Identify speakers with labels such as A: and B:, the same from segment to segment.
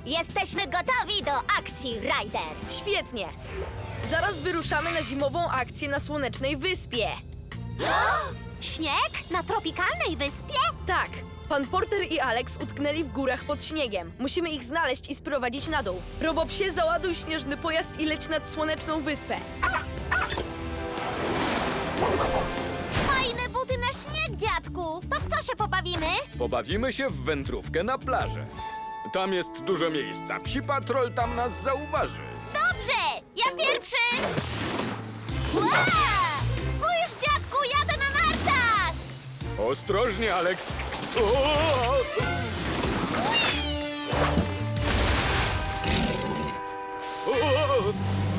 A: Jesteśmy gotowi do akcji, Ryder!
B: Świetnie! Zaraz wyruszamy na zimową akcję na Słonecznej Wyspie.
A: Śnieg? Na tropikalnej wyspie?
B: Tak, pan Porter i Alex utknęli w górach pod śniegiem. Musimy ich znaleźć i sprowadzić na dół. Robopsie, załaduj śnieżny pojazd i leć nad Słoneczną Wyspę.
A: Fajne buty na śnieg, dziadku! To w co się pobawimy?
C: Pobawimy się w wędrówkę na plażę. Tam jest dużo miejsca. Psi Patrol tam nas zauważy.
A: Dobrze! Ja pierwszy! Ła! Spójrz, dziadku, jadę na nartach!
C: Ostrożnie, Alex. O! O!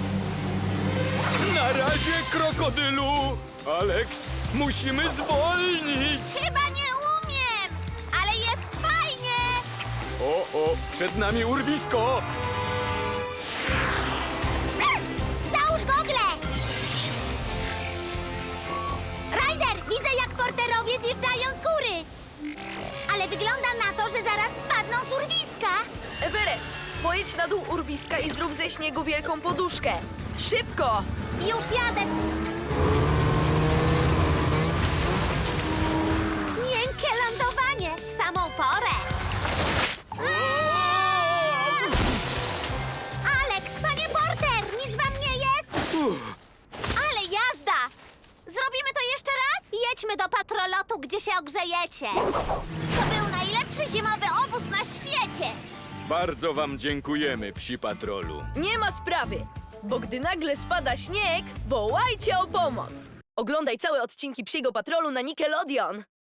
C: Na razie, krokodylu! Alex, musimy zwolnić!
A: Chyba nie umiem, ale jest fajnie!
C: O, przed nami urwisko!
A: Załóż gogle! Ryder, widzę jak porterowie zjeżdżają z góry! Ale wygląda na to, że zaraz spadną z urwiska!
B: Everest, pojedź na dół urwiska i zrób ze śniegu wielką poduszkę. Szybko!
A: Już jadę! Miękkie lądowanie w samą porę! Alex, panie Porter, nic wam nie jest? Ale jazda! Zrobimy to jeszcze raz? Jedźmy do patrolotu, gdzie się ogrzejecie. To był najlepszy zimowy obóz na świecie.
C: Bardzo wam dziękujemy, Psi Patrolu.
B: Nie ma sprawy, bo gdy nagle spada śnieg, wołajcie o pomoc! Oglądaj całe odcinki Psiego Patrolu na Nickelodeon.